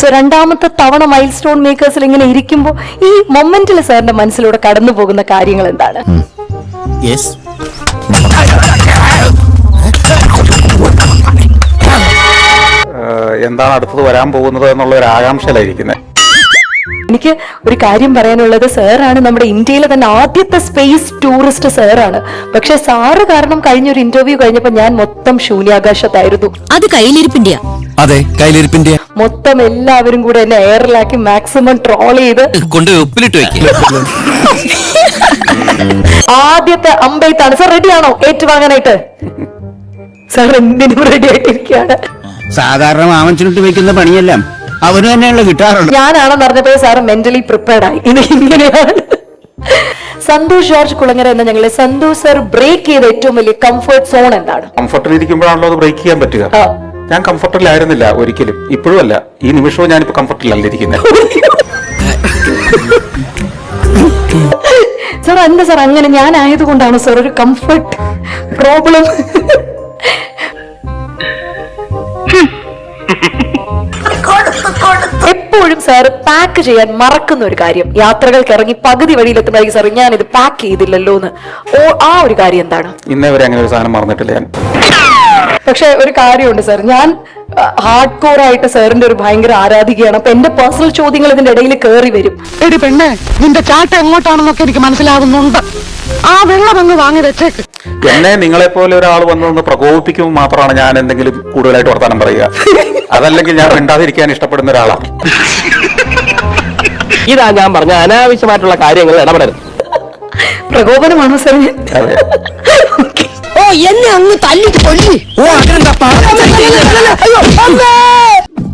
So രണ്ടാമത്തെ തവണ mile stone മേക്കേഴ്സിൽ ഇങ്ങനെ ഇരിക്കുമ്പോൾ ഈ മൊമെന്റിൽ സാറിന്റെ മനസ്സിലൂടെ കടന്നു പോകുന്ന കാര്യങ്ങൾ എന്താണ്? എന്താണ് അടുത്തത് വരാൻ പോകുന്നത് എന്നുള്ള ഒരു ആകാംക്ഷയിലായിരിക്കുന്നത്. എനിക്ക് ഒരു കാര്യം പറയാനുള്ളത്, സാറാണ് നമ്മുടെ ഇന്ത്യയിലെ തന്നെ ആദ്യത്തെ സ്പേസ് ടൂറിസ്റ്റ് സാറാണ്. പക്ഷെ സാറ് കാരണം കഴിഞ്ഞൊരു ഇന്റർവ്യൂ കഴിഞ്ഞപ്പോ ഞാൻ മൊത്തം ശൂന്യാകാശത്തായിരുന്നു. അത് കയ്യിലിരിപ്പിന്റെയാ. അതെ, കയ്യിലിരിപ്പിന്റെ മൊത്തം എല്ലാവരും കൂടെ എന്നെ എയറിലാക്കി മാക്സിമം ട്രോൾ ചെയ്ത് കൊണ്ട് ഉപ്പിലിട്ട് വെക്കും. ആദ്യത്തെ അമ്പെയ്ത്താണ്. സാർ റെഡിയാണോ ഏറ്റുവാങ്ങാനായിട്ട്? സാർ എന്തിനും റെഡി ആയിട്ടിരിക്കുകയാണ്. സാധാരണ മാമൻചുരുട്ട് വെക്കുന്ന പണിയെല്ലാം അവന് തന്നെയുള്ള കിട്ടാറുണ്ട്. ഞാനാണെന്ന് അറിഞ്ഞപ്പോ സാറ് മെന്റലി പ്രിപ്പയർഡ് ആയി. ഇത് ഇങ്ങനെയാണ്. സന്തോഷ് ജോർജ് കുളങ്ങര എന്ന ഞങ്ങളെ സന്തോഷ് സർ ബ്രേക്ക് ചെയ്ത ഏറ്റവും വലിയ കംഫർട്ട് സോൺ എന്താണ്? കംഫർട്ടിൽ ഇരിക്കുമ്പോഴാണല്ലോ അത് ബ്രേക്ക് ചെയ്യാൻ പറ്റുക. ഞാൻ കംഫർട്ടിലായിരുന്നില്ല ഒരിക്കലും, ഇപ്പോഴും അല്ല. ഈ നിമിഷവും ഞാനിപ്പോ കംഫർട്ടിലല്ല ഇരിക്കുന്നത്. സാർ എന്താ സാർ അങ്ങനെ? ഞാൻ ആയതുകൊണ്ടാണ് സാർ ഒരു കംഫർട്ട് പ്രോബ്ലം? എപ്പോഴും സാർ പാക്ക് ചെയ്യാൻ മറക്കുന്ന ഒരു കാര്യം, യാത്രകൾക്ക് ഇറങ്ങി പകുതി വഴിയിലെത്തുമ്പോഴേക്കും സാർ ഞാൻ ഇത് പാക്ക് ചെയ്തില്ലല്ലോ എന്ന്, ആ ഒരു കാര്യം എന്താണ്? ഇന്നേ വരെ അങ്ങനെ ഒരു സാധനം മറന്നിട്ടില്ല ഞാൻ. പക്ഷെ ഒരു കാര്യമുണ്ട് സാർ, ഞാൻ ഹാർഡ് കോർ ആയിട്ട് സാറിന്റെ ഒരു ഭയങ്കര ആരാധികയാണ്. അപ്പൊ എന്റെ പേഴ്സണൽ ചോദ്യങ്ങൾ ഇതിന്റെ ഇടയിൽ കയറി വരും. എടി പെണ്ണെ, നിന്റെ ചാട്ട എങ്ങോട്ടാണെന്നൊക്കെ എനിക്ക് മനസ്സിലാകുന്നുണ്ട്. ആ വെള്ളം അങ്ങ് വാങ്ങി വെച്ചേക്ക്. എന്നെ നിങ്ങളെ പോലെ ഒരാൾ വന്നൊന്ന് പ്രകോപിപ്പിക്കുമ്പോൾ മാത്രമാണ് ഞാൻ എന്തെങ്കിലും കൂടുതലായിട്ട് വർത്താനം പറയുക. അതല്ലെങ്കിൽ ഞാൻ മിണ്ടാതിരിക്കാൻ ഇഷ്ടപ്പെടുന്ന ഒരാളാണ്. ഇതാ ഞാൻ പറഞ്ഞ അനാവശ്യമായിട്ടുള്ള കാര്യങ്ങൾ ഇടപെടരുത്. പ്രകോപനമാണോ സാർ? അതെ. ഓ, എന്നെ അങ്ങ് തല്ലി കൊല്ലി. ഓ, അതിനെന്താ